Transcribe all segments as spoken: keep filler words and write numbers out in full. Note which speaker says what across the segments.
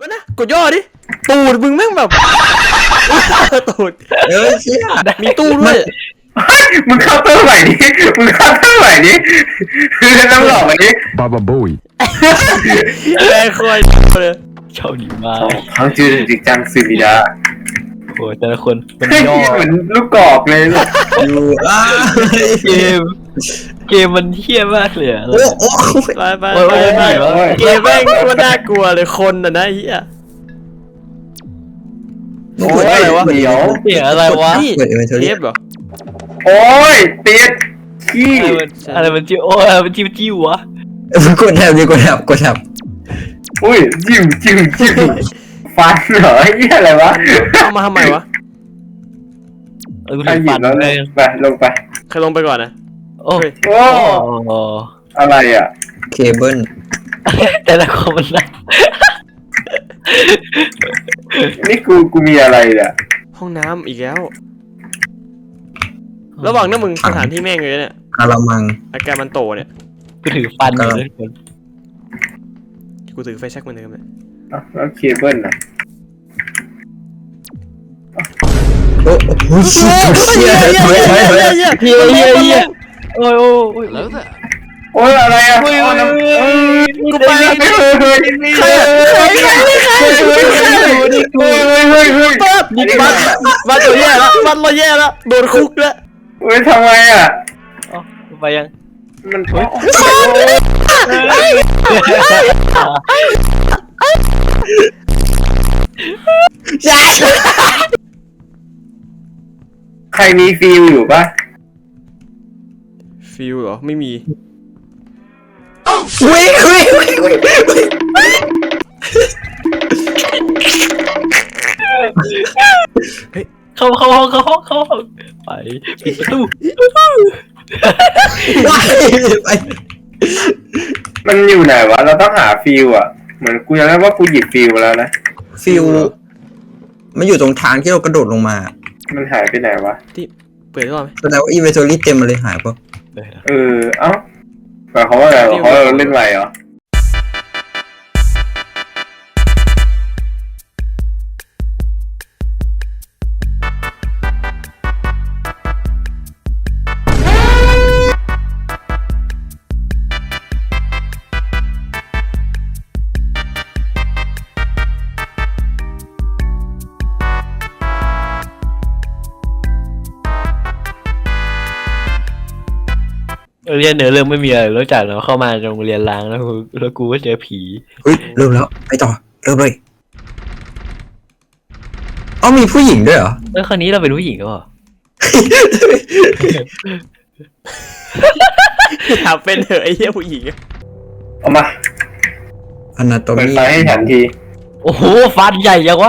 Speaker 1: ก็นะกดย่อดิตูดมึงแม่งแบบตูด
Speaker 2: เออเชี่ย
Speaker 1: มีตู้ด้วย
Speaker 3: มึงเข้าเตอร์ใหม่ดิมึงเข้าเตอร์ใหม่ดิคือน้ำหลอกอันนี้
Speaker 4: บาบาบุย
Speaker 1: แรงคอยเลย
Speaker 5: ชอบดีมาก
Speaker 3: เขาจืดจริงจังสุดิดา
Speaker 5: โอ้แต่ละคนมันย่อ
Speaker 3: เหมือนลูกกอกเลย
Speaker 2: อยู่อ้า
Speaker 5: เกมเกมมันเฮี้ยมากเลยอะ
Speaker 2: โอ้โอ้
Speaker 1: ไปไปไปเกมแม่งก็น่ากลัวเลยคนน่ะนะเฮีย
Speaker 3: โอ้ยอะไรวะ
Speaker 5: เดี๋ยวเสียอะไรวะ
Speaker 1: เทปเหรอ
Speaker 3: โอ้ยติดขี้
Speaker 5: อะไรมันจิ้วโอ้ยมันจิ้วจิ้ววะ
Speaker 2: กดแถบดิกดแถบกดแถบ
Speaker 3: อุ้ยจิ้มจิ้มจิ้มฟันเหรอไอ้เหี้ยอะไรวะ
Speaker 1: เอามาทำไมวะ
Speaker 5: เออคุณฟันเลย
Speaker 3: ไปลงไป
Speaker 1: ใครลงไปก่อนนะ
Speaker 5: โอ้
Speaker 3: โอ้อะไรอ่ะ
Speaker 2: เคเบิล
Speaker 5: แต่ละคนมันนะ
Speaker 3: นี่กูกูมีอะไรเนี่ย
Speaker 1: ห้องน้ำอีกแล้วระหว่างนั้นมึงสถานที่แม่งเลยเนี่ย
Speaker 2: อารามัง
Speaker 1: อาการมันโตเนี่ย
Speaker 5: กูถือฟันเลยทุกคน
Speaker 1: กูถือไฟแช็กเหมือนเดิมเลย
Speaker 3: แล้วเคเบิลน่ะ
Speaker 2: โอ้โหเชี่ยเชี่ยเชี่ยเชี่ยเชี่ย
Speaker 5: เฮียเฮียเฮียโอ้ยโอ้ย
Speaker 3: แล้วโอ้ยอะไรอ่ะโอ้ยน้ำ
Speaker 1: กูไปใครใครใครใครใคร
Speaker 3: เฮ้ยเฮ้ยเฮ้ยเฮ้ยเฮ้ย
Speaker 1: ปั๊บบ้านบ้านเราแย่แล้วบ้านเราแย่แล้วโดนคุกแล้ว
Speaker 3: เฮ้ยทำไมอ่ะ
Speaker 5: อ๋อไปยัง
Speaker 3: มันเฮ้ยใครมีฟิลอยู่ปะ
Speaker 1: ฟิลเหรอไม่มี
Speaker 2: วิ่งวิ่งวิ่งวิ่ง
Speaker 5: เข้าเข้าเข้าเข้าเข้าไปปิดประตู
Speaker 2: ไป
Speaker 3: มันอยู่ไหนวะเราต้องหาฟิลอ่ะเหมือนกูยังได้ว่ากูหยิบฟิลแล้วนะ
Speaker 2: ฟิลมันอยู่ตรงทางที่เรากระโดดลงมา
Speaker 3: มันหายไปไหนวะ
Speaker 1: ที่เปิดได้ไหม
Speaker 2: แสดงว่าอีเวนต์รี่เต็มมาเลยหายปะ
Speaker 3: เออเอ้าหมายความว่าอะไรเขาเล่นไรเหรอ
Speaker 5: เรียนเนื้อเรื่องไม่มีอะไรรู้จักเราเข้ามาโรงเรียนล้างแล้วแล้วกูก็เจอผี
Speaker 2: เฮ้ยเริ่มแล้วไปต่อเริ่มเลยอ๋อมีผู้หญิงด้วยเหรอ
Speaker 5: แล้วคราวนี้เราเป็นผู้หญิงก็เหรอ
Speaker 1: อยากเป็นเหรอไอ้เหี้ยผู้หญิง
Speaker 3: เอามา
Speaker 2: อนาโตมี
Speaker 3: ไปให้ฉันที
Speaker 5: โอ้โหฟันใหญ่ยังวะ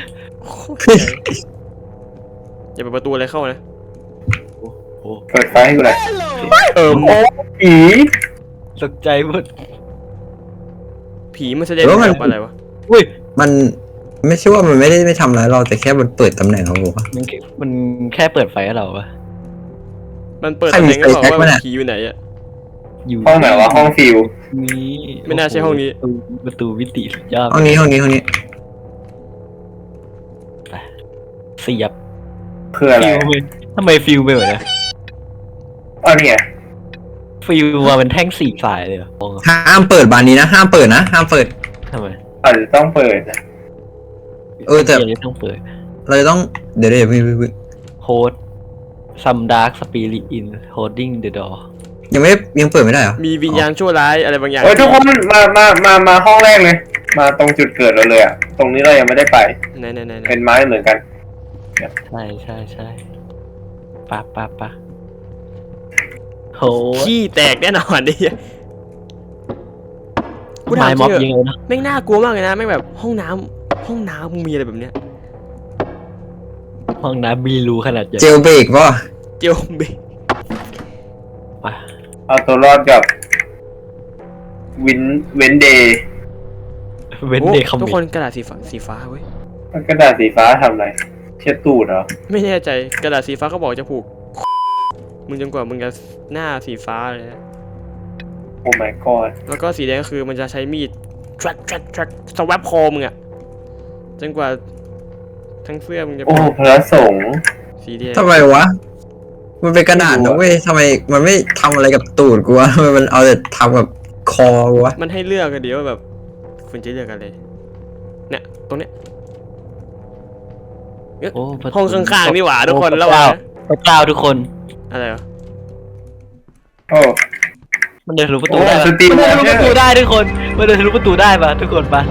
Speaker 1: อย่าเปิดประตูอะไรเข้านะ
Speaker 3: เปิดไฟให้กูเลย
Speaker 1: เออโอ้
Speaker 3: ผี
Speaker 5: ตกใจหมด
Speaker 1: ผีมันแสดงออกอะไรวะ
Speaker 5: อุ้ย
Speaker 2: มันไม่ใช่ว่ามันไม่ได้ไม่ทำร้ายเราแต่แค่มันเปิดตำแหน่งเราปะ
Speaker 5: มันมันแค่เปิดไฟให้เราปะ
Speaker 1: มันเปิดตำแหน่งให้เราว่าผีอยู่ไหนอะ
Speaker 3: อยู่ห้องไหนวะห้องฟิว
Speaker 5: นี้
Speaker 1: ไม่น่าใช่ห้องนี้
Speaker 5: ประตูวิติสุดยอด
Speaker 2: ห้องนี้ห้องนี้ห้องนี้
Speaker 5: เสียบ
Speaker 3: คืออะไร
Speaker 5: ทำไมฟิวไปเหมือน
Speaker 3: อ๋อเนี่ย
Speaker 5: ฟิวมาเป็นแท่งสี่สายเลย
Speaker 2: ห้ามเปิดบานนี้นะห้ามเปิดนะห้ามเปิด
Speaker 5: ทำไม
Speaker 3: อาจจะต้องเปิดนะ
Speaker 2: เออแต่
Speaker 5: ต้องเปิด
Speaker 2: เราต้องเดี๋ยวเดี๋ยวพี่
Speaker 5: โฮดซัมดาร์กสปิริตอินโฮดดิ้งเดอะดอร์
Speaker 2: ยังไม่ยังเปิดไม่ได้เหรอ
Speaker 1: มีวิญญาณชั่วร้ายอะไรบางอย่าง
Speaker 3: เออทุกคนมามามามาห้องแรกเลยมาตรงจุดเกิดเราเลยอ่ะตรงนี้เรายังไม่ได้ไป
Speaker 1: ไหนไหนไหน
Speaker 3: เป็นไม้เหมือนกัน
Speaker 5: ใช่ใช่ใช่ปะปะปะโห
Speaker 1: ขี้แตกแน่นอนดิ
Speaker 5: กูถามม็อบเยอะนะ
Speaker 1: แม่งน่ากลัวมากเลยนะแม่งแบบห้องน้ำห้องน้ำมึงมีอะไรแบบเนี้ย
Speaker 5: ห้องน้ำมีรูขนาดใหญ่
Speaker 2: เจลเบรกป่ะ
Speaker 1: เจลเบรก
Speaker 3: เอาตัวรอดกับวินเวนเดย์
Speaker 5: เวนเดย์
Speaker 1: ทุกคนกระดาษสีฟ้าสีฟ้าเว้ย
Speaker 3: กระดาษสีฟ้าทำอะไรเช็ดตูดเหรอ
Speaker 1: ไม่แน่ใจกระดาษสีฟ้าเขาบอกจะผูกมึงจนกว่ามึงจะหน้าสีฟ้าเลย
Speaker 3: โอ้ my god
Speaker 1: แล้วก็สีแดงก็คือมันจะใช้มีด track track track สวับคอมึงอะจนกว่าทั้งเสื้อมึงจะ
Speaker 3: โอ้
Speaker 1: เป็น
Speaker 3: พระสงฆ์
Speaker 1: สีแดง
Speaker 2: ทำไมวะมันเป็นกระดาษนะเว้ยทำไมมันไม่ทำอะไรกับตูดกูวะทำไมมันเอาแต่ทำกับคอกูวะ
Speaker 1: มันให้เลือกกันเดียวาแบบคุณจะเลือกอะไรเนี่ยตรงเนี้ย
Speaker 5: โอ้ประตู
Speaker 1: ห้องข้างๆนี่หว่าทุกคน
Speaker 5: โอ้
Speaker 1: ระหว่าง
Speaker 5: พระเจ้าทุกคน
Speaker 1: อะไรวะ
Speaker 3: โอ้
Speaker 5: มันเดินทะลุประตู
Speaker 3: โอ้
Speaker 5: ได้
Speaker 3: สตรีม
Speaker 5: มันเดินทะลุ
Speaker 3: วอ
Speaker 5: ป
Speaker 3: เชอร์
Speaker 5: ระตูได้ทุกคนมันเดินทะลุประตูได้ปะทุกคนปะ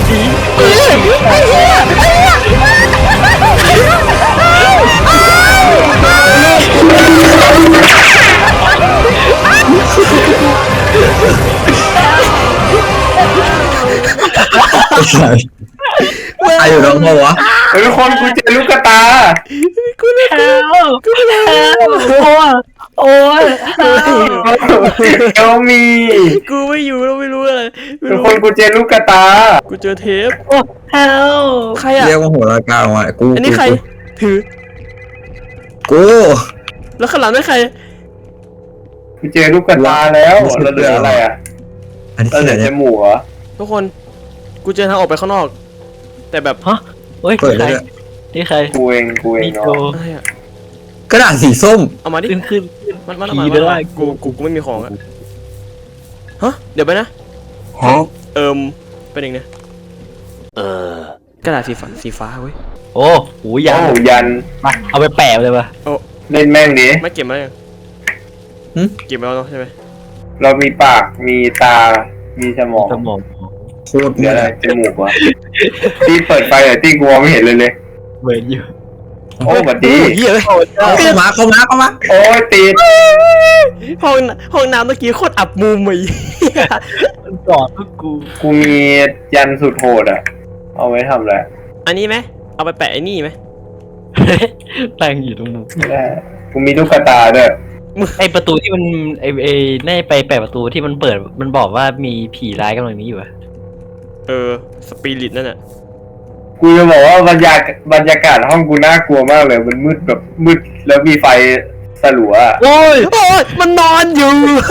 Speaker 2: ไอ้อยู่ตรงหัวะ
Speaker 3: เฮ้ยทุกคนกูเจอลูกกระตา
Speaker 5: แฮลแฮลโอ้ยโอ้ย
Speaker 3: เอลมี
Speaker 1: กูไม่อยู่แล้วไม่รู้อะไรไม่
Speaker 3: ทุก
Speaker 1: รู้
Speaker 3: คนกูเจอลูกกระตา
Speaker 1: กูเจอเทป
Speaker 5: โอ้แฮล
Speaker 1: ใครอ่ะ
Speaker 2: เรียกว่าหัวละกาออกมากู
Speaker 1: อันนี้ใครถือ
Speaker 2: กู
Speaker 1: แล้วข้างหลังนั่นใคร
Speaker 3: กูเจอลูกกระตาแล้วแล้วเหลืออะไรอ่ะ
Speaker 2: อันนี้
Speaker 3: แล้วเหลื
Speaker 2: เสี
Speaker 3: อย จ
Speaker 2: เนี่ย
Speaker 3: มูกเหรอ
Speaker 1: ทุกคนกูเจอทางออกไปข้างนอก แต่แบบ
Speaker 5: ฮะเฮ้ย
Speaker 2: เปิด
Speaker 5: ใค
Speaker 2: ได้
Speaker 5: ร
Speaker 2: ด้วย
Speaker 5: นี่ใคร
Speaker 3: กูเองกูเอง
Speaker 5: นี่
Speaker 3: เนาะ
Speaker 5: โจ
Speaker 1: อะไรอ่ะ
Speaker 2: กระดาษสีส้ม
Speaker 1: เอามาดิ
Speaker 5: ขึ้นขึ้น
Speaker 1: มันมัน
Speaker 5: ผี
Speaker 1: มัน
Speaker 5: เด้อ
Speaker 1: มันกูกูกูไม่มีของอะฮะเดี๋ยวไปนะ
Speaker 2: ฮะ
Speaker 1: เอิมเป็นยังไงเออกระดาษสีฟ้าสีฟ้าเว้ย
Speaker 5: โอ้โหยัน
Speaker 3: โอ้ยัน
Speaker 5: มาเอาไปแปะเลยปะ
Speaker 3: เล่นแม่งดิ
Speaker 1: ไม่เก็บมายังเก็บมาแล้วเนาะใช่ไหม
Speaker 3: เรามีปากมีตา มีสมอง
Speaker 5: สมอง
Speaker 2: โคตร
Speaker 3: เหลื
Speaker 2: เมื่
Speaker 3: อ
Speaker 2: อ
Speaker 3: อะไรจมูกวะที่เปิดไฟแต่ที่กูมองไม่เห็นเลยเลย
Speaker 5: เหมือนอยู่
Speaker 3: โอ้บัดดี
Speaker 1: โอ้ยเหี้ยเลย
Speaker 2: เข้ามาเข้ามาเข้ามา
Speaker 3: โอ้ยติด
Speaker 1: ห้องห้องน้ำเมื่อกี้โคตรอับมุมเลย
Speaker 5: มันกอดพวกกู
Speaker 3: กูมียันสุดโหดอ่ะ เอาไว้ทำอะไร
Speaker 1: อันนี้ไหมเอาไปแปะไอ้นี่ไหม
Speaker 5: ตั้งอยู่ตรงมุม
Speaker 3: ไม่ได้กูมีลูกกระตาด้วย
Speaker 5: ไอประตูที่มันไอไอในไปแปะประตูที่มันเปิดมันบอกว่ามีผีร้ายกำลังนี้อยู่อะ
Speaker 1: เออสปิริตนั่นน่ะ
Speaker 3: กูจะบอกว่าบรรยากาศบรรยากาศห้องกูน่ากลัวมากเลย มันมืดแบบมืดแล้วมีไฟสลัวอะ
Speaker 5: โอ้ย
Speaker 1: โอ้ยมันนอนอยู่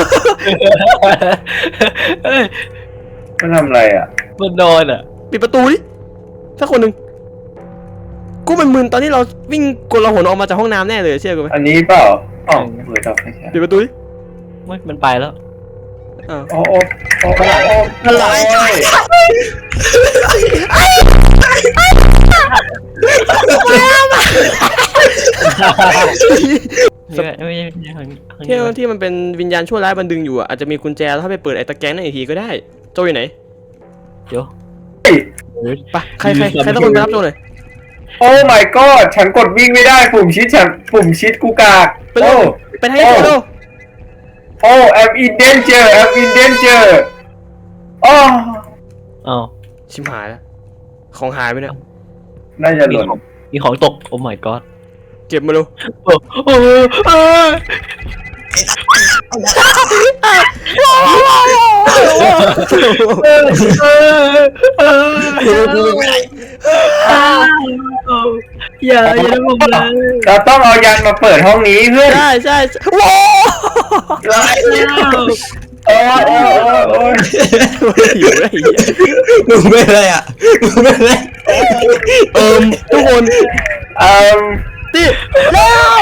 Speaker 5: เอ้ย
Speaker 3: มันทำอะไรอ่ะ
Speaker 5: มันนอนอ่ะ
Speaker 1: ปิดประตูดิถ้าคนหนึ่งกูมันมึนตอนที่เราวิ่งกลหนออกมาจากห้องน้ำแน่เลยเชื่อกูไหม
Speaker 3: อันนี้เปล่าอ๋อเปิดดับไม่ใช่
Speaker 1: ปิดประตูดิ
Speaker 5: ไม่มันไปแล้ว
Speaker 1: อ้าว
Speaker 3: โอ้โอ้โอ้โอ้อะไร
Speaker 5: ไม่ไม่ไม่ไม่ทางนี้ทาง
Speaker 1: ที่
Speaker 5: นี้
Speaker 1: ที่มันเป็นวิญญาณชั่วร้ายบันดึงอยู่อ่ะอาจจะมีกุญแจแล้วถ้าไปเปิดไอ้ตะแกรงนั่นอีกทีก็ได้โจอยู่ไหน
Speaker 5: เดี๋ยว
Speaker 1: ไปใครใครใครต้องคนไปรับโจหน่อย
Speaker 3: โอ้ my god ฉันกดวิ่งไม่ได้ปุ่มชิดฉันปุ่มชิดกูกาก
Speaker 1: ไปเร็
Speaker 3: โอ้
Speaker 1: วไปทางนี้โจเร็ว
Speaker 3: โอ้ I'm in danger I'm in danger โอ้
Speaker 5: อ้าว
Speaker 1: ชิมหายแล้วของหายไปเนี่ย
Speaker 3: น่าจะห
Speaker 5: มี
Speaker 3: ล่น
Speaker 5: ของมีของตกโอ้ my god
Speaker 1: เก็บมาเร็ว
Speaker 5: โอ้โอ้โอ้ อย่าอย่าทำผมเลย
Speaker 3: เราต้องเอายันมาเปิดห้องนี้เพื่อน
Speaker 1: ใช่ใช่โว้
Speaker 3: โอ้ยโอ้ยโอ้ย
Speaker 1: หิวเลยไอ้เหี้ย
Speaker 2: มึงเป็นอะไรอ่ะมึงเป็นอะไร
Speaker 1: เอิมทุกคน
Speaker 3: เอ่อ
Speaker 1: ตีเร็ว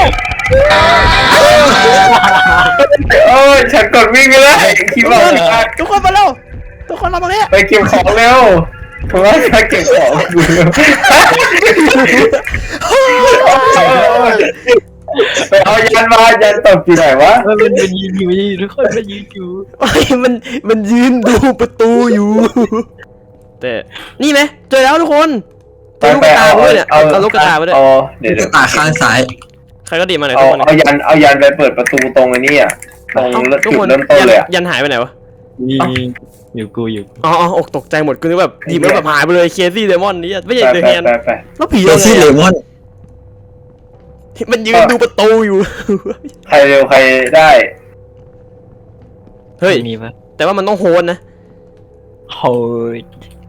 Speaker 3: โอ้ยฉันกดวิ่งไม่ได้คิดว่า
Speaker 1: ทุกคนมาเร็วทุกคนมาตรงนี้
Speaker 3: ไปเก็บของเร็วเพราะว่าฉันเก็บของกูเร็วไปเอายันมายันตกที่ไหนวะ
Speaker 5: มันเป็นมันยืนอยู่นี่ทุกคนมันยืนอยู่
Speaker 1: ไอ้มันมันยืนดูประตูอยู่ แต่นี่ไหมเจอแล้วทุกคนเจอลูกกระตาด้วยเนี่ยเอาเอาลูกกระตาไปด้วย
Speaker 3: เอาเดี๋ยวเดี๋ยว
Speaker 2: ตาข้างซ้าย
Speaker 1: ใครก็ดีมาหน่อย
Speaker 3: เอา
Speaker 1: ทุกคน
Speaker 3: เอายันเอายันไปเปิดประตูตรงไอ้นี่อ่ะตรง
Speaker 1: ทุก
Speaker 3: จุด
Speaker 1: คน
Speaker 3: เริ่มต้นเลยอ่ะ
Speaker 1: ยันหายไปไหนวะ
Speaker 5: นี่อยู่กูอยู่
Speaker 1: อ๋ออ๋ออกตกใจหมดกูนึกแบบดีมันแบบหายไปเลยเคซี่เดมอนนี่ไม่ใช่
Speaker 3: ไป
Speaker 1: เดอะ
Speaker 3: ไป
Speaker 1: แฮน
Speaker 3: ไปไป
Speaker 1: แล้วผี
Speaker 2: เจ
Speaker 1: ยั
Speaker 2: อง ซี่
Speaker 1: ไง
Speaker 2: เล
Speaker 1: อะ
Speaker 2: มอน
Speaker 1: มันยืนดูประตูอยู่
Speaker 3: ใครเร็วใครได้
Speaker 1: เฮ้ย
Speaker 5: มีปะ
Speaker 1: แต่ว่ามันต้องโฮนนะ
Speaker 5: โฮ้ย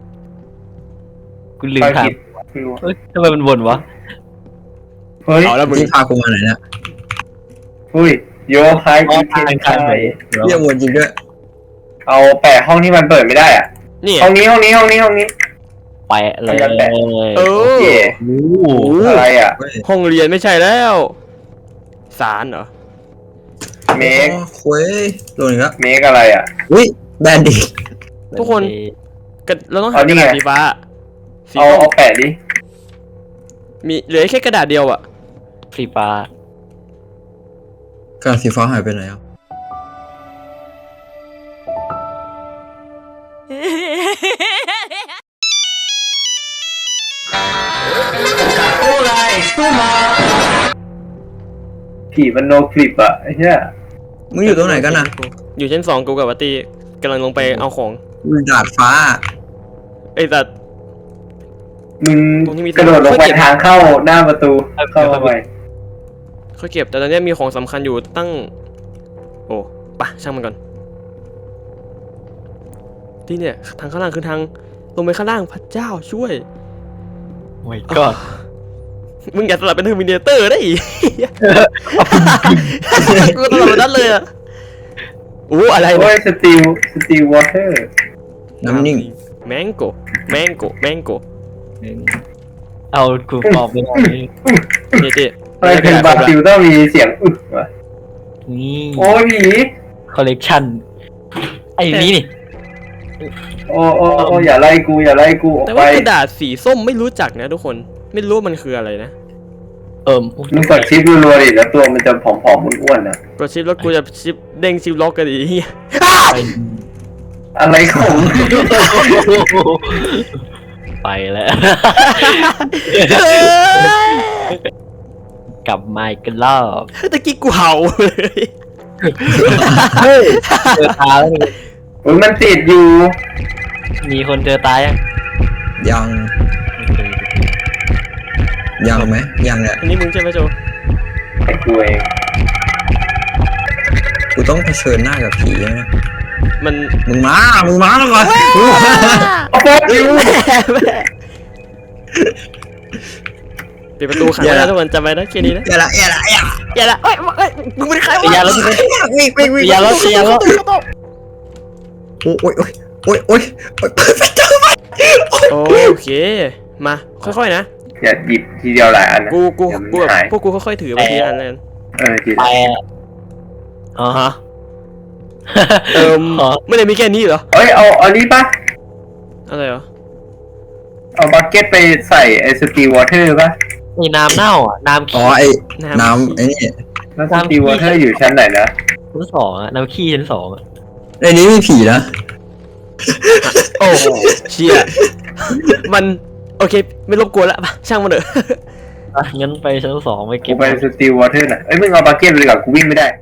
Speaker 5: กูลืม
Speaker 3: ไป
Speaker 5: ถาม
Speaker 3: ผิดไม่รู้
Speaker 5: เฮ้ยทำไมมันวนวะ
Speaker 3: เฮ้ย
Speaker 1: เอาแล้วมึง
Speaker 2: ที่พากูมาไหนเนี่ย
Speaker 3: เฮ้ยโยไฮอีเทนไทย
Speaker 2: เยี่ยมวนจริงด้วย
Speaker 3: เอาแปะห้องที่มันเปิดไม่ได้อ่ะ
Speaker 1: นี่
Speaker 3: ห้องนี้ห้องนี้ห้องนี้ห้องนี้
Speaker 5: แปะเลย
Speaker 1: เอ
Speaker 3: โอ
Speaker 1: อ
Speaker 3: เค
Speaker 5: โอ้
Speaker 1: โอ้
Speaker 3: อะไรอ่ะ
Speaker 1: ห้องเรียนไม่ใช่แล้วศาลเหรอ
Speaker 3: เมก
Speaker 2: อ๋อเว้ยโดนอีกแล้ว
Speaker 3: เมกอะไรอ่ะ
Speaker 2: อุ้ยแบนดิ
Speaker 1: ทุกคน กระเราต้องหา
Speaker 3: เอา
Speaker 1: ก
Speaker 3: นี่
Speaker 1: ระดาษ
Speaker 3: ไง
Speaker 1: สีฟ้าสี
Speaker 3: เอา
Speaker 1: ส้ม
Speaker 3: เอาแปะดิ
Speaker 1: มีเหลือแค่กระดาษเดียวอะ
Speaker 5: สีฟ้าก
Speaker 2: ระดาษสีฟ้าหายไปไหนอ่ะ
Speaker 3: ผีมันโนคลิปอ่ะไอ้เหี้ย
Speaker 2: มึงอยู่ตรงไหนกันนะ
Speaker 1: อยู่ชั้นสองกูกับวัตตีกำลังลงไปเอาของ
Speaker 2: อยู่ดาดฟ้า
Speaker 1: ไอ้สัต
Speaker 3: มึง
Speaker 1: ตรงที่มี
Speaker 3: กระโดดลงไปทางเข้าหน้าประตูเข้าไป
Speaker 1: ค่อยเก็บแต่ตอนนี้มีของสำคัญอยู่ตั้ง โอ้ปะช่างมันก่อนที่เนี่ยทางข้างล่างคือทางลงไปข้างล่างพระเจ้าช่วย
Speaker 5: โอ้ยก็
Speaker 1: มึงอย่าสลับเป็นเทอร์มินเตอร์ได้อีก กูสลับเป็นนั้นเลยอ่ะอู้อะไร
Speaker 3: โอ้
Speaker 1: เนี่ย
Speaker 3: ยสตีลสตีลวอเตอร์
Speaker 2: น้ำนิ่ง
Speaker 1: แมงโกแมงโกแมงโก
Speaker 5: เอากูตอบไม่ได้
Speaker 1: เจ๊เจ๊
Speaker 3: ทำไมเป็นบราซิลต้องมีเสียงอึดวะ
Speaker 5: นี่
Speaker 3: โอ้ยผี
Speaker 5: คอลเลกชันไอ้นี่นี่
Speaker 3: โอ้โอ้โอ้อย่าไล่กูอย่าไล่กูออก
Speaker 1: แต่
Speaker 3: ไป
Speaker 1: ว่ากระดาษสีส้มไม่รู้จักนะทุกคนไม่รู้ว่ามันคืออะไรนะ
Speaker 5: เอิ่ม
Speaker 3: มึงกดชิปรัวๆดิแล้วตัวมันจะผอมๆอ้วนๆนะ
Speaker 1: กดชิปแล้วกูจะชิปเด้งชิปล็อกกันอีกเหี้ย
Speaker 5: ไป
Speaker 3: อะไรของ
Speaker 5: ไปแล้ว กลับมาอีกกันรอบ
Speaker 1: ตะกี้กูเห่าเลย
Speaker 5: เฮ้ยเจอตาแล้วนี่
Speaker 3: โอ้ยมันติดอยู่
Speaker 5: มีคนเจอตายยัง
Speaker 2: ยังยังไหมยังแหละ
Speaker 1: อันนี้มึงใช่ไหมโจ
Speaker 3: ไอ้กูเอง
Speaker 2: กูต้องเผชิญหน้ากับผีแล้วนะ
Speaker 1: มัน
Speaker 2: มึงมามึงมาแล้วก่อน
Speaker 3: โอ้โหอยู่
Speaker 1: ปิดประตูขังไว้แล้วทุกคนจำไว้นะแค่นี้นะ
Speaker 2: อย่าละอย่าละอย่า
Speaker 1: อย่าละเอ้ยเอ้ยมึงเป็นใครวะ
Speaker 5: อย่าแล้วทุกคน
Speaker 2: วิ่งวิ่งวิ่ง
Speaker 5: อย่าแล้วอย่าแล้ว
Speaker 2: โอ้ยโอ้ยโอ้ยโอ้ยโอ้ยเปิดประตูมา
Speaker 1: โอเคมาค่อยๆนะ
Speaker 3: อย่าหยิบทีเดียวหลายอันนะ
Speaker 1: กูกู
Speaker 3: เดี๋ยวมัน
Speaker 1: กูแบบ
Speaker 3: หาย
Speaker 1: พวกกูค่อยๆถือไปทีละอันเลย
Speaker 3: เออที
Speaker 5: ไปอ๋อ
Speaker 1: ฮะเอิม
Speaker 5: อ๋อ
Speaker 1: ไม่ได้มีแค่นี้เหรอ
Speaker 3: เอ้ยเอาเอานี้ปะ
Speaker 1: อะไรเหรอ
Speaker 3: เอาบักเก็ตไปใส่ไอ้สตีลวอเตอร์ปะ
Speaker 5: มีน้ำเน่าอ่ะน้ำ
Speaker 2: อ๋อ
Speaker 5: ขี้
Speaker 2: ไอ้น้ำไอ้นี่
Speaker 3: แล้วสตีลวอเตอร์อยู่ชั้นไหนนะ
Speaker 5: ชั้นสองอ่ะน้ำขี้ชั้นสองอ่ะ
Speaker 2: ในนี้มีผีนะ
Speaker 1: โอ้เชี่ยมันโอเคไม่รบกวนละไปช่างมันเถอะ
Speaker 5: อ่ะงั้นไปชั้นสองไป
Speaker 3: กู
Speaker 5: เก็บ
Speaker 3: ไปสตีลวอเตอร์น่ะเอ้ยมึงเอาบักเก็ตไปเลยก่อนกูวิ่งไม่ได้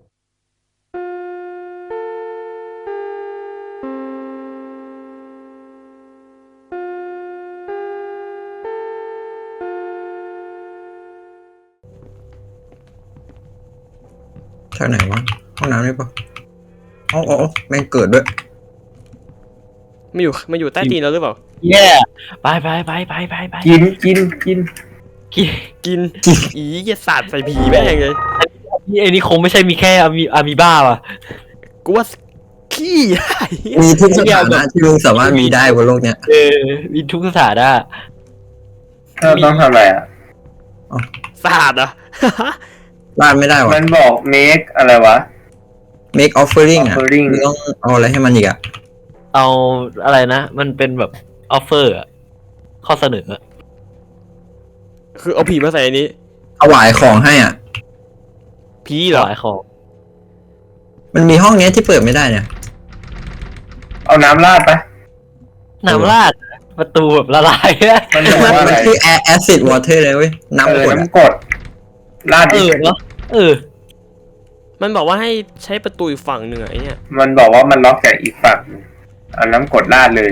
Speaker 2: ทางไหนวะห้องน้ำนี่ปะอ๋ออ๋อแม่งเกิดด้วย
Speaker 1: มาอยู่มาอยู่ใต้ตีนเราหรือเปล่า
Speaker 5: แย่ไปไปไปไปไปไป
Speaker 3: กินกินกิน
Speaker 5: กิน
Speaker 1: กินอีอย่าสาดใส่ผีแม่งเลย
Speaker 5: นี่ไอ้นี่คงไม่ใช่มีแค่อามีอามีบ้าว่ะ
Speaker 1: กูว่าขี้
Speaker 2: มีทุกสถานะที่มึงสามารถมีได้บนโลกเนี้ย
Speaker 5: เออมีทุกสถานะ
Speaker 3: เราต้องทำอะไรอ่ะ
Speaker 1: สาดเหรอ่ะ
Speaker 2: ลาดไม่ได้วะ
Speaker 3: มันบอก make อะไรวะ
Speaker 2: make offering อ่ะ
Speaker 3: offering
Speaker 2: มึงต้องเอาอะไรให้มันอีกอ่ะ
Speaker 5: เอาอะไรนะ มันเป็นแบบออฟเฟอร์อะข้อเสนออะ
Speaker 1: คือเอาผีมาใส่อันนี้
Speaker 2: ถวายของให้อ่ะ
Speaker 1: ผีเหรอ
Speaker 5: ขายของ
Speaker 2: มันมีห้องเนี้ยที่เปิดไม่ได้เนี่ย
Speaker 3: เอาน้ำราดปะ
Speaker 5: น้ำราดประตูแบบละลายอะ
Speaker 3: มันบอกว่า
Speaker 2: มั
Speaker 3: อะ
Speaker 2: น
Speaker 3: ไร
Speaker 2: คือ air acid water เลยเว้ย
Speaker 3: เอ
Speaker 2: น้ำ
Speaker 3: อก
Speaker 2: รดอะ
Speaker 3: น้ำกรดราด
Speaker 5: เอ
Speaker 3: ดิ
Speaker 5: อเนาะเออ
Speaker 1: มันบอกว่าให้ใช้ประตูอีกฝั่งหนึ่งอะไอ้เนี่ย
Speaker 3: มันบอกว่ามันล็อกจากอีกฝั่งเอาน้ำกรดราดเลย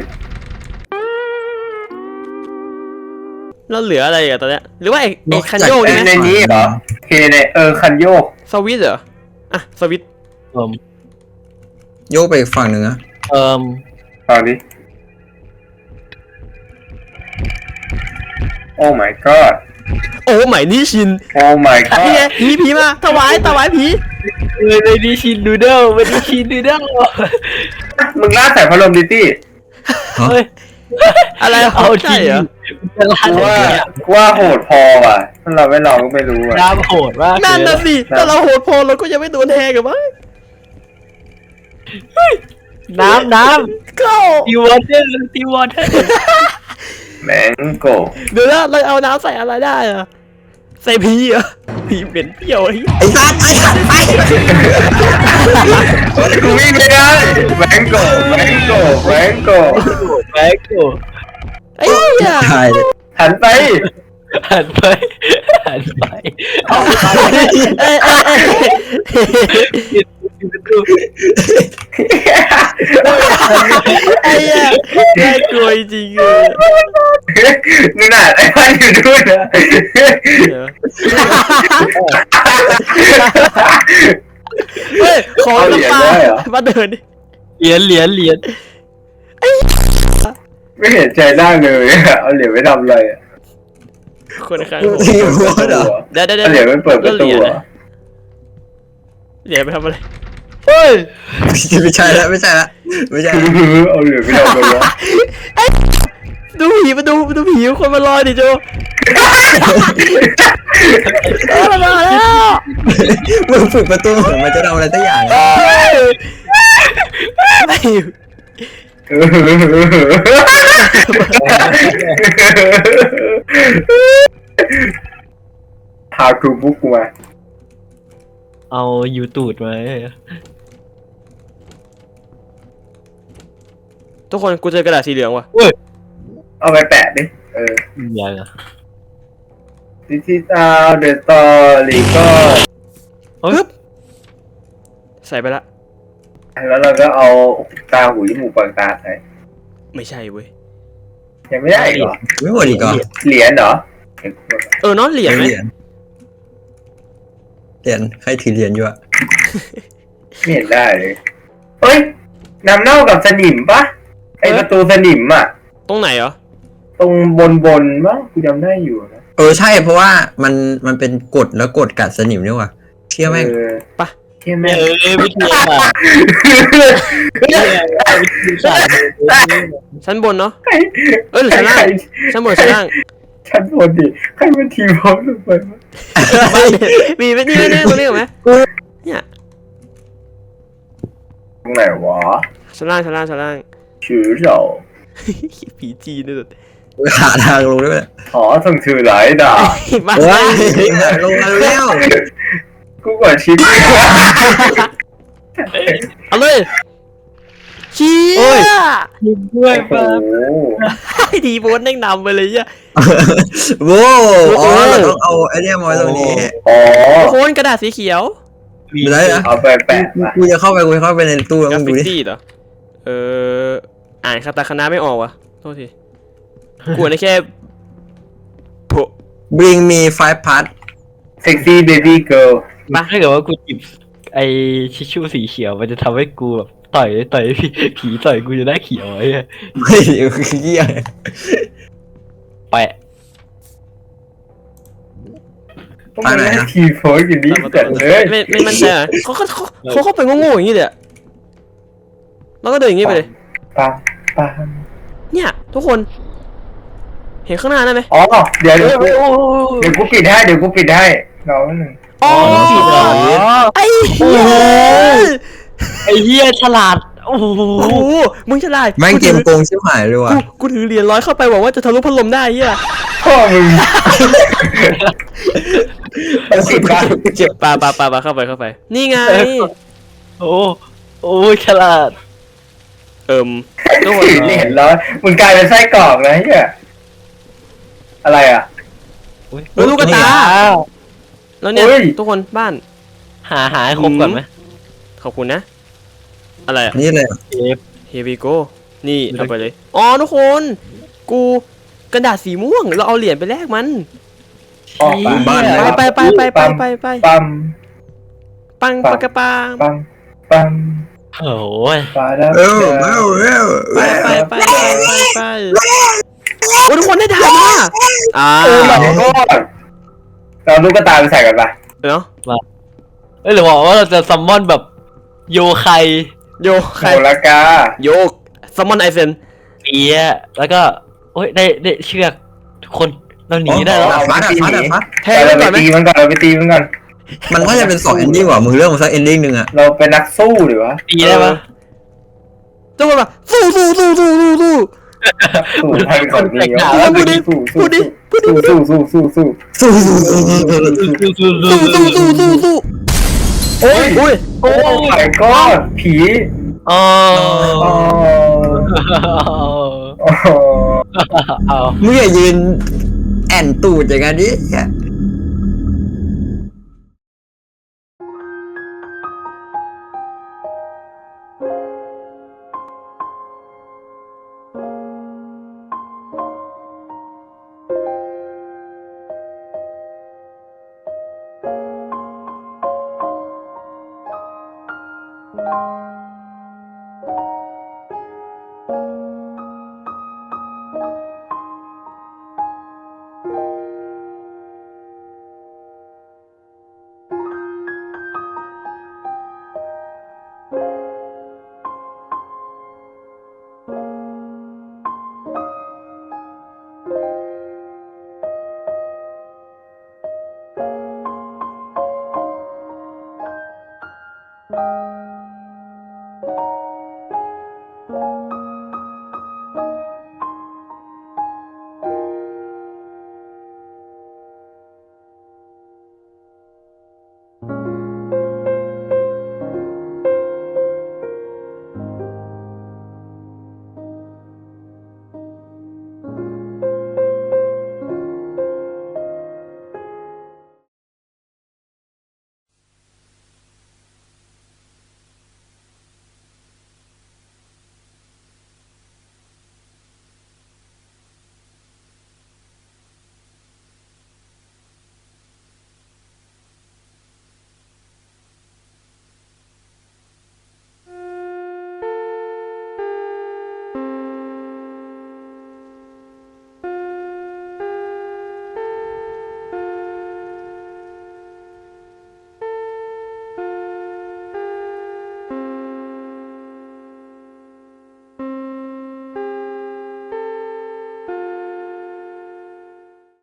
Speaker 1: แล้วเหลืออะไรอะตอนเนี้ยหรือว่าไอ้ไอ้คันโยก
Speaker 3: เอ้
Speaker 1: นี่
Speaker 3: ย
Speaker 1: ไหม
Speaker 3: ในนี้เหรอเคในเออคันโยก
Speaker 1: สวิตช์เหรออ่ะสวิตช์
Speaker 5: เอิ่ม
Speaker 2: โยกไปอีกฝั่งหนึ่งอะ
Speaker 5: เอิ่ม
Speaker 3: ตอนนี้โอ้ my god
Speaker 1: โอ้ไหมนี่ชิน
Speaker 3: โอ้ my
Speaker 1: นี่ไง
Speaker 3: god
Speaker 1: ผีผีมาถวายถวายผี
Speaker 5: เออเลยดิชินดูเดิลไม่ได้ชินดูเดิล
Speaker 3: มึงราดใส่พัดลมดิตี้
Speaker 5: เฮ้ย
Speaker 1: อะไร
Speaker 5: เอาจริ
Speaker 1: ใช่
Speaker 5: ง
Speaker 1: เหรอ
Speaker 5: จะลาด
Speaker 3: กู
Speaker 5: อย่าง
Speaker 3: ว่า
Speaker 5: เงี้ย
Speaker 3: กูว่าโหดพอว่ะถ้าเราไม่ลองก็ไม่รู้อ่ะ
Speaker 5: น้ำโหดมาก
Speaker 1: นั่น
Speaker 5: เลย
Speaker 1: น่ะสิถ้าเราโหดพอเราก็ยังไม่โดนแทงกันมั้ง
Speaker 5: น้ำน้
Speaker 1: ก็
Speaker 5: ำตีวอเตอร์ตีวอเตอร์
Speaker 3: แมงโก
Speaker 1: เดี๋ยวนะเราเอาน้ำใส่อะไรได้อะใส่พีเหรอพีเหม็นเปรี้ยวไอ้
Speaker 2: ไอ้สัตว์ไอ้สัตว์ไป
Speaker 3: กูวิ่งไม่ได้แมงโกแมงโกแมงโก
Speaker 5: แม็กโก
Speaker 1: ไอ้เหี้ย
Speaker 2: ตายเลย
Speaker 3: หันไป
Speaker 5: หันไปหันไปเอา
Speaker 1: เอ้ยเอ้ยเอ้ย
Speaker 5: ปิดประตู
Speaker 1: ไอ้เหี้ยน่ากลัวจริงๆเลย
Speaker 3: นี่น่ะไอ้พันอยู่ด้วยนะ
Speaker 1: เดี๋ยวเฮ้ยขอน้ำปลามาเดินดิ
Speaker 5: เหรียญเหรียญเหรียญ
Speaker 3: ไม่เห็นใจได้เลยเอาเหรียญไว้ทำอะไรอ่ะ
Speaker 1: คนข้าง
Speaker 2: ทีมวอดเหรอ
Speaker 1: เดี๋ยวเดี๋ยว
Speaker 3: เอาเหรียญไว้เปิดประตูเหรอ
Speaker 1: เหรียญไปทำอะไร
Speaker 5: เฮ้ย
Speaker 2: ไม่ใช่แล้วไม่ใช่แล้วไม่ใช่
Speaker 3: เอาเหรียญไว้ทำอะไรวะ
Speaker 1: ดูผีมาดูดูผีคนมาลอยดิโจเออมาแล้ว
Speaker 2: มึงฝึกประตูเหมือนมันจะทำอะไรสักอย่าง
Speaker 1: ไอ้
Speaker 3: หาครูบุ๊กกูมา
Speaker 5: เอายูตูดมา
Speaker 1: ทุกคนกูเจอกระดาษสีเหลืองว่ะ
Speaker 3: เอาไปแปะดิเออ
Speaker 5: ยังอ่ะ
Speaker 3: ดิจิตอลเดอะสตอรี่ก็
Speaker 1: ปึ๊บใส่ไปละ
Speaker 3: แล้วเราก็เอาตาหูจมูกปากตาใส่
Speaker 1: ไม่ใช่เว้ย
Speaker 3: ยังไม่ได้อีกเหรอ
Speaker 2: ไม่หมดอีกเหรอ
Speaker 3: เหรียญเหรอ
Speaker 1: เออเน้องเหรียญไหม
Speaker 2: เหรียญเหรียญใครถือเหรียญอยู่อะ
Speaker 3: ไม่เห็นได้เลยเฮ้ยน้ำเน่ากับสนิมปะไอประตูสนิมอ่ะ
Speaker 1: ตรงไหนเหรอ
Speaker 3: ตรงบนบนๆปะกูจำได้อยู่นะ
Speaker 2: เออใช่เพราะว่ามันมันเป็นกฎแล้วกฎกัดสนิมนี่ว่ะเชื่อแม่ง
Speaker 3: เออ
Speaker 1: ปะ
Speaker 3: เชื่อ
Speaker 5: เอ
Speaker 3: แม่ง
Speaker 5: อวิทยาศาสตร์วิทยาศาสตร์
Speaker 1: ชั้นบนเนาะ
Speaker 3: ใคร
Speaker 1: เอ้ยหรือ
Speaker 3: ใคร
Speaker 1: ชั้น
Speaker 3: ใค
Speaker 1: ล่าร งชั้นบนชั้นล่าง
Speaker 3: ชั้นบนดิใครมันทีมพร้อมลงไปวะ
Speaker 1: มีไหมนี่นี่ตรงนี้เหรอไหมเนี่ย
Speaker 3: ตรงไหนวะ
Speaker 1: ชั้นล่างชั้นล่างชั้นล่าง
Speaker 3: ชื่อเรา
Speaker 1: ผีจีนนี่สุด
Speaker 2: หาทางลงด้วย
Speaker 3: ขอส่งชื่อหลายด่า
Speaker 1: มา
Speaker 2: เฮ้ยลงมาแล้ว
Speaker 3: กูกดชิป
Speaker 1: เอาเลยเชี้
Speaker 5: โอ้ย
Speaker 1: ย
Speaker 5: ยิงด้วย
Speaker 3: โอ้
Speaker 5: ปะ
Speaker 3: โห
Speaker 1: ไอ้ดีโบนนั่งนำไปเลยอ่ะ
Speaker 2: โว้อ๋อเราต้องเอาไอเนี้ยมาไว้ตรงนี้
Speaker 3: อ๋อ
Speaker 1: โคนกระดาษสีเขียว
Speaker 2: ไม่ได้นะ
Speaker 3: เอาไปแปะมา
Speaker 2: กูจะเข้าไปกูจะเข้าไปในตู้แล้ว
Speaker 1: กรา
Speaker 2: มึง
Speaker 1: ฟิ
Speaker 2: ดูดิ
Speaker 1: ตี้เหรอเอออ่านคาตาคานะไม่ออกวะโทษทีกลัวได้แค่โผ
Speaker 2: bring me five part
Speaker 3: เซ็กซี่เบบี้เกิร์ล
Speaker 5: ถ้าเกิดว่ากูจิบไอชิชชู่สีเขียวมันจะทำให้กูแบบต่อยต่อยผีผีต่อยกูจะได้เขียวไอ้เหี้ย
Speaker 2: ไม่เดี๋ยวคือเหี้ย
Speaker 5: แปะ
Speaker 3: ต้องมาได้ทีโฟร์อยู่นี่
Speaker 1: ตามมา
Speaker 3: แต่
Speaker 1: ตามมา
Speaker 3: เลย
Speaker 1: ไม่ไม่มั่นใจอ่ะเขาเขาเขาเขาเข้าไปโง่ๆอย่างนี้เลยอะแล้วก็เดินอย่างนี้ไปเลย
Speaker 3: ปังปัง
Speaker 1: เนี่ยทุกคน เห็นข้างหน้าได้ไหม
Speaker 3: อ๋อเดี๋ยวเดี๋ยว
Speaker 5: โอ้
Speaker 3: กู
Speaker 5: โห
Speaker 3: เดี๋ยวกูปิดให้เดี๋ยวกูปิดให้รอหนึ่ง
Speaker 1: อ๋อ
Speaker 5: ผิดเหรอ
Speaker 1: ไอ้เหี้ย
Speaker 5: ไอ้เหี้ยฉลาดโอ้โห
Speaker 1: โอ้โหมึงฉลาด
Speaker 2: แม่งเกม
Speaker 1: กู
Speaker 2: โกงชิบหายเลยว่ะ
Speaker 1: ถือกูกูถือเหรียญร้อยเข้าไปหวังว่าจะทะลุพัดลมได้เหี้ย
Speaker 3: พ่อมึงเอาสิบาท
Speaker 2: เจ็บ
Speaker 1: ปาปาปาปาเข้าไปเข้าไป นี่ไง
Speaker 5: โอ้โอ้ฉลาด
Speaker 1: เอิ่มทุกคน
Speaker 3: เหรียญร้อยมึงกลายเป็นไส้กรอกนะเฮียอะไรอ่ะ
Speaker 1: เออลูกกระตา แล้วเนี่ย
Speaker 3: เฮ้ย
Speaker 1: ทุกคนบ้าน
Speaker 5: หาหาให้ครบก่อนไหม
Speaker 1: ขอบคุณนะ อะไรอะ
Speaker 2: นี่เลย
Speaker 5: เอฟ
Speaker 1: Here we go นี่เอาไปเลย อ๋อทุกคน กูกระดาษสีม่วง เราเอาเหรียญไปแลกมัน
Speaker 3: อ๋อ
Speaker 2: บ้าน
Speaker 1: ไปไปไปไปไปไปไป
Speaker 3: ปั๊ม
Speaker 1: ปังปากกระปัง
Speaker 3: ปั๊มปั๊ม
Speaker 5: โอ้ย
Speaker 3: ปาดับ
Speaker 2: เออเออเออ
Speaker 1: ไปไปไปไปไปไปโอ้ทุกคนได้ถ่ายมาอ่า
Speaker 3: โอ้my god เราลูกกระตาไปใส่กันปะ
Speaker 1: เนาะ
Speaker 5: เอ้ยหรือว่าว่าเราจะซัมมอนแบบโยไค
Speaker 1: โยใคร
Speaker 3: โหระกา
Speaker 1: โยซัมมอนไอเซน
Speaker 5: ปีอะแล้วก็โอ้ยได้ได้เชือกทุกคนเราหนีได้แล้ว
Speaker 2: ดาดฟ้าดาดฟ้าดาดฟ้า
Speaker 1: แทงมันก่อนไหม
Speaker 3: ตีมันก่อนเราไปตีมันก่อน
Speaker 2: มันน่าจะเป็นสองเอนดิ้งว่ะมึงเลือกมาสักเอนดิ้งหนึ่งอะ
Speaker 3: เราเป็นนักสู้หรือวะ
Speaker 5: ตีได้ปะ
Speaker 1: ทุกคนมาสู้สู้สู้สู้สู้สู้
Speaker 3: สู้ให้ก่อนนี่
Speaker 1: พูดดิพูดดิพูดดิ
Speaker 3: สู้สู้สู้สู้สู้
Speaker 2: สู้สู้สู้สู้สู้สู้
Speaker 1: สู้สู้สู้สู้สู้โอ้ยโอ้ย
Speaker 3: โอ้ my god ผี
Speaker 5: อ๋อ
Speaker 3: อ๋อ
Speaker 5: เอา
Speaker 2: มึงอย่ายืนแอนตูดอย่างนั้นดิ